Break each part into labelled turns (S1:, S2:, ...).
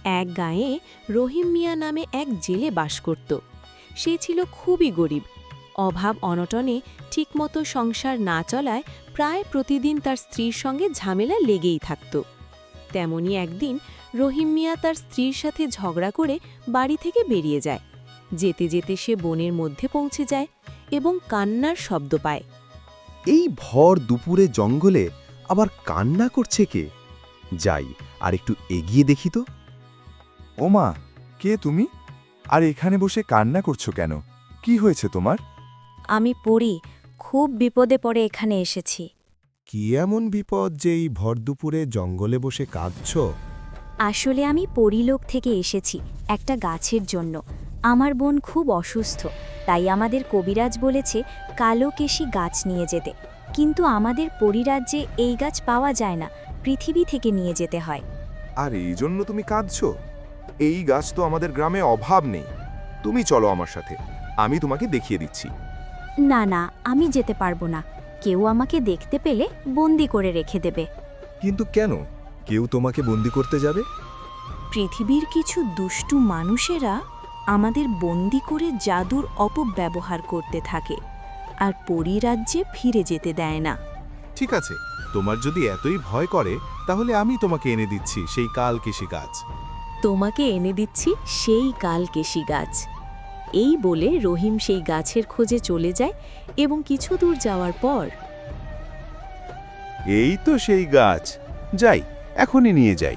S1: এক গাঁয়ে রহিম মিয়া নামে এক জেলে বাস করত। সে ছিল খুবই গরিব। অভাব অনটনে ঠিকমতো সংসার না চলায় প্রায় প্রতিদিন তার স্ত্রীর সঙ্গে ঝামেলা লেগেই থাকত। তেমনি একদিন রহিম মিয়া তার স্ত্রীর সাথে ঝগড়া করে বাড়ি থেকে বেরিয়ে যায়। যেতে যেতে সে বনের মধ্যে পৌঁছে যায় এবং কান্নার শব্দ পায়।
S2: এই ভর দুপুরে জঙ্গলে আবার কান্না করছে কে? যাই আর একটু এগিয়ে দেখি তো।
S3: ওমা, কে তুমি? আর এখানে বসে কান্না করছো কেন? কি হয়েছে তোমার?
S4: আমি পড়ি, খুব বিপদে পড়ে এখানে এসেছি।
S2: কি এমন বিপদ যে এই ভর দুপুরে জঙ্গলে বসে কাঁদছ?
S4: আসলে আমি পরিলোক থেকে এসেছি একটা গাছের জন্য। আমার বোন খুব অসুস্থ, তাই আমাদের কবিরাজ বলেছে কালো কেশি গাছ নিয়ে যেতে। কিন্তু আমাদের পরিরাজ্যে এই গাছ পাওয়া যায় না, পৃথিবী থেকে নিয়ে যেতে হয়।
S3: আর এই জন্য তুমি কাঁদছো? এই গাছ তো আমাদের গ্রামে অভাব নেই। তুমি চলো আমার সাথে, আমি তোমাকে দেখিয়ে দিচ্ছি।
S4: না না, আমি যেতে পারবো না। কেউ আমাকে দেখতে পেলে বন্দি করে রেখে দেবে।
S3: কিন্তু কেন? কেউ তোমাকে বন্দি করতে যাবে?
S1: পৃথিবীর কিছু দুষ্টু মানুষেরা আমাদের বন্দি করে জাদুর অপব্যবহার করতে থাকে আর পরিরাজ্যে ফিরে যেতে দেয় না।
S3: ঠিক আছে, তোমার যদি এতই ভয় করে তাহলে আমি তোমাকে এনে দিচ্ছি সেই কালকেশী গাছ।
S1: তোমাকে এনে দিচ্ছি সেই কালকেশী গাছ। এই বলে রহিম সেই গাছের খোঁজে চলে যায় এবং কিছু দূর যাওয়ার পর
S3: এই তো সেই গাছ, যাই এখনই নিয়ে যাই।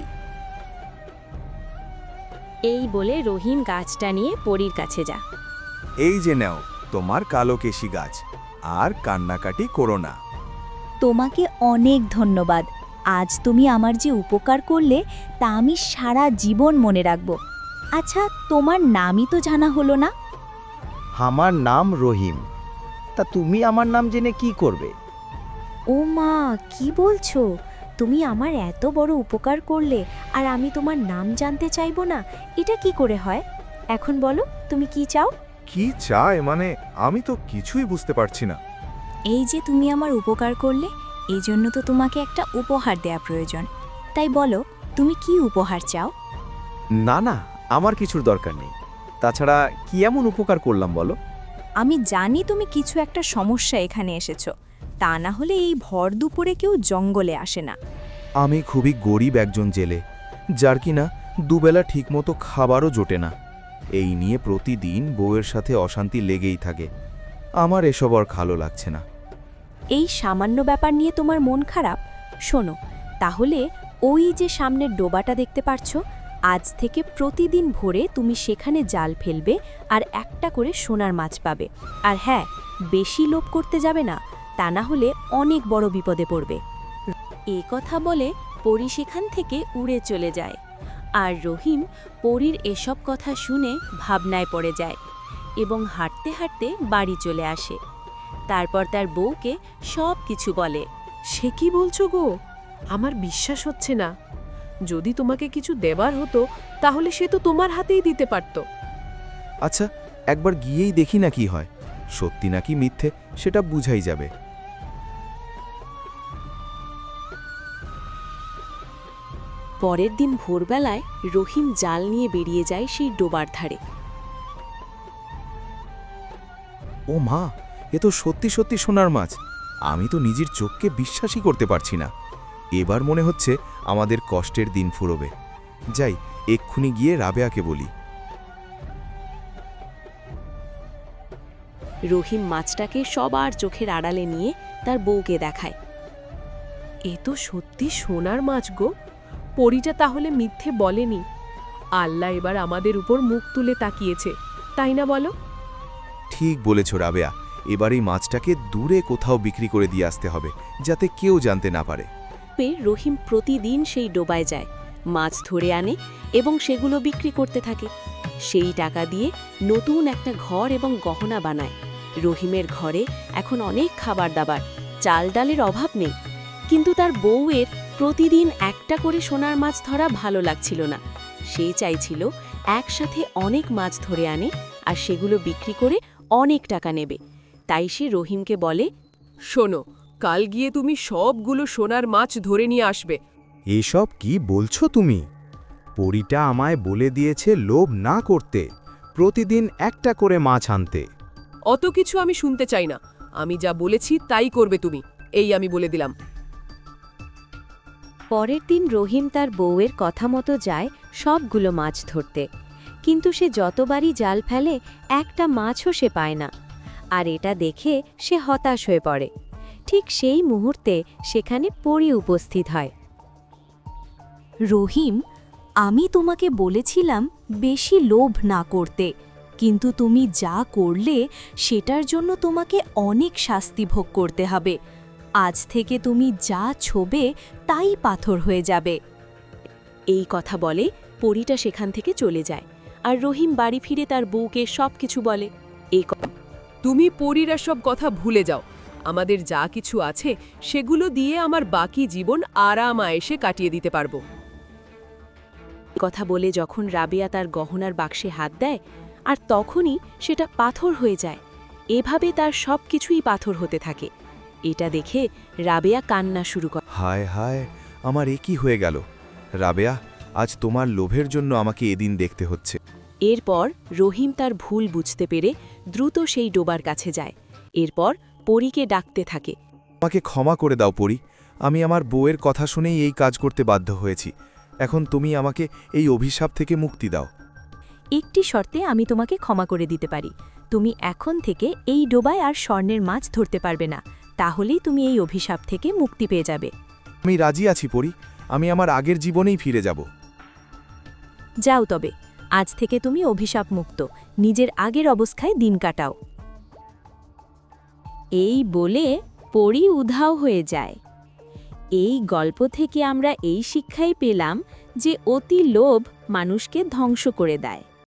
S1: এই বলে রহিম গাছটা নিয়ে পরীর কাছে যা।
S3: এই যে নাও তোমার কালকেশী গাছ, আর কান্নাকাটি করো না।
S4: তোমাকে অনেক ধন্যবাদ। আজ তুমি আমার যে উপকার করলে তা আমি সারা জীবন মনে রাখব। আচ্ছা, তোমার নামই তো জানা হলো না।
S5: আমার নাম রহিম। তা তুমি আমার নাম জেনে কি করবে?
S4: ও মা, কি বলছো? তুমি আমার এত বড় উপকার করলে আর আমি তোমার নাম জানতে চাইবো না? এটা কি করে হয়? এখন বলো, তুমি কি চাও?
S3: কি চায় মানে? আমি তো কিছুই বুঝতে পারছি না।
S4: এই যে তুমি আমার উপকার করলে, এই জন্য তো তোমাকে একটা উপহার দেয়া প্রয়োজন। তাই বলো, তুমি কি উপহার চাও?
S2: না না, আমার কিছুর দরকার নেই। তাছাড়া কি এমন উপকার করলাম বলো?
S4: আমি জানি তুমি কিছু একটা সমস্যা এখানে এসেছো। তা না হলে এই ভর দুপুরে কেউ জঙ্গলে আসে না।
S3: আমি খুবই গরিব একজন জেলে, যার কিনা দুবেলা ঠিকমতো খাবারও জোটে না। এই নিয়ে প্রতিদিন বউয়ের সাথে অশান্তি লেগেই থাকে। আমার এসব আর ভালো লাগছে না।
S1: এই সামান্য ব্যাপার নিয়ে তোমার মন খারাপ? শোনো, তাহলে ওই যে সামনের ডোবাটা দেখতে পারছো, আজ থেকে প্রতিদিন ভোরে তুমি সেখানে জাল ফেলবে আর একটা করে সোনার মাছ পাবে। আর হ্যাঁ, বেশি লোভ করতে যাবে না, তা না হলে অনেক বড় বিপদে পড়বে। এ কথা বলে পরী সেখান থেকে উড়ে চলে যায়। আর রহিম পরীর এসব কথা শুনে ভাবনায় পড়ে যায় এবং হাঁটতে হাঁটতে বাড়ি চলে আসে। তারপর তার বউকে সব কিছু বলে।
S6: সে কি বলছো গো? আমার বিশ্বাস হচ্ছে না। যদি তোমাকে কিছু দেবার হতো তাহলে সে তো তোমার হাতেই দিতে পারত।
S3: আচ্ছা, একবার গিয়েই দেখি না কি হয়। সত্যি নাকি মিথ্যে সেটা বুঝাই যাবে।
S1: পরের দিন ভোরবেলায় রহিম জাল নিয়ে বেরিয়ে যায় সেই ডোবার ধারে।
S3: ও মা, এ তো সত্যি সত্যি সোনার মাছ। আমি তো নিজের চোখকে বিশ্বাসই করতে পারছি না। এবার মনে হচ্ছে আমাদের কষ্টের দিন ফুরোবে। যাই, এক্ষুনি গিয়ে রাবেয়াকে বলি।
S1: রহিম মাছটাকে সবার চোখের আড়ালে নিয়ে তার বউকে দেখায়।
S6: এ তো সত্যি সোনার মাছ গো। পরীটা তাহলে মিথ্যে বলেনি। আল্লাহ এবার আমাদের উপর মুখ তুলে তাকিয়েছে, তাই না বলো?
S3: ঠিক বলেছ রাবেয়া, এবার এই মাছটাকে দূরে কোথাও বিক্রি করে দিয়ে আসতে হবে, যাতে কেউ জানতে না পারে।
S1: রহিম প্রতিদিন সেই ডোবায় যায়, মাছ ধরে আনে এবং সেগুলো বিক্রি করতে থাকে। সেই টাকা দিয়ে নতুন একটা ঘর এবং গহনা বানায়। রহিমের ঘরে এখন অনেক খাবার দাবার, চাল ডালের অভাব নেই। কিন্তু তার বউয়ের প্রতিদিন একটা করে সোনার মাছ ধরা ভালো লাগছিল না। সে চাইছিল একসাথে অনেক মাছ ধরে আনে আর সেগুলো বিক্রি করে অনেক টাকা নেবে। তাই সে রহিমকে বলে,
S6: শোনো, কাল গিয়ে তুমি সবগুলো সোনার মাছ ধরে নিয়ে আসবে।
S2: এসব কি বলছো তুমি?
S3: পরীটা আমায় বলে দিয়েছে লোভ না করতে, প্রতিদিন একটা করে মাছ আনতে।
S6: অত কিছু আমি শুনতে চাই না, আমি যা বলেছি তাই করবে তুমি, এই আমি বলে দিলাম।
S1: পরের দিন রহিম তার বউয়ের কথা মতো যায় সবগুলো মাছ ধরতে, কিন্তু সে যতবারই জাল ফেলে একটা মাছও সে পায় না। আর এটা দেখে সে হতাশ হয়ে পড়ে। ঠিক সেই মুহূর্তে সেখানে পরী উপস্থিত হয়। রহিম, আমি তোমাকে বলেছিলাম বেশি লোভ না করতে, কিন্তু তুমি যা করলে সেটার জন্য তোমাকে অনেক শাস্তি ভোগ করতে হবে। আজ থেকে তুমি যা ছোবে তাই পাথর হয়ে যাবে। এই কথা বলে পরীটা সেখান থেকে চলে যায়, আর রহিম বাড়ি ফিরে তার বউকে সবকিছু বলে।
S6: তুমি পরীরা সব কথা ভুলে যাও, আমাদের যা কিছু আছে সেগুলো দিয়ে আমার বাকি জীবন আরাম আয়েশে কাটিয়ে দিতে পারবো।
S1: কথা বলে যখন রাবেয়া তার গহনার বাক্সে হাত দেয়, আর তখনই সেটা পাথর হয়ে যায়। এভাবে তার সব কিছুই পাথর হতে থাকে। এটা দেখে রাবেয়া কান্না শুরু করে।
S3: হায় হায়, আমার এ কি হয়ে গেল? রাবেয়া, আজ তোমার লোভের জন্য আমাকে এদিন দেখতে হচ্ছে।
S1: এরপর রহিম তার ভুল বুঝতে পেরে দ্রুত সেই ডোবার কাছে যায়। এরপর পরীকে ডাকতে থাকে।
S3: আমাকে ক্ষমা করে দাও পরী, আমি আমার বউয়ের কথা শুনেই এই কাজ করতে বাধ্য হয়েছি। এখন তুমি আমাকে এই অভিশাপ থেকে মুক্তি দাও।
S1: একটি শর্তে আমি তোমাকে ক্ষমা করে দিতে পারি। তুমি এখন থেকে এই ডোবায় আর স্বর্ণের মাছ ধরতে পারবে না, তাহলেই তুমি এই অভিশাপ থেকে মুক্তি পেয়ে যাবে।
S3: আমি রাজি আছি পরী, আমি আমার আগের জীবনেই ফিরে যাব।
S1: যাও তবে, আজ থেকে তুমি অভিশাপ মুক্ত, নিজের আগের অবস্থায় দিন কাটাও। এই বলে পরী উধাও হয়ে যায়। এই গল্প থেকে আমরা এই শিক্ষাই পেলাম যে অতি লোভ মানুষকে ধ্বংস করে দেয়।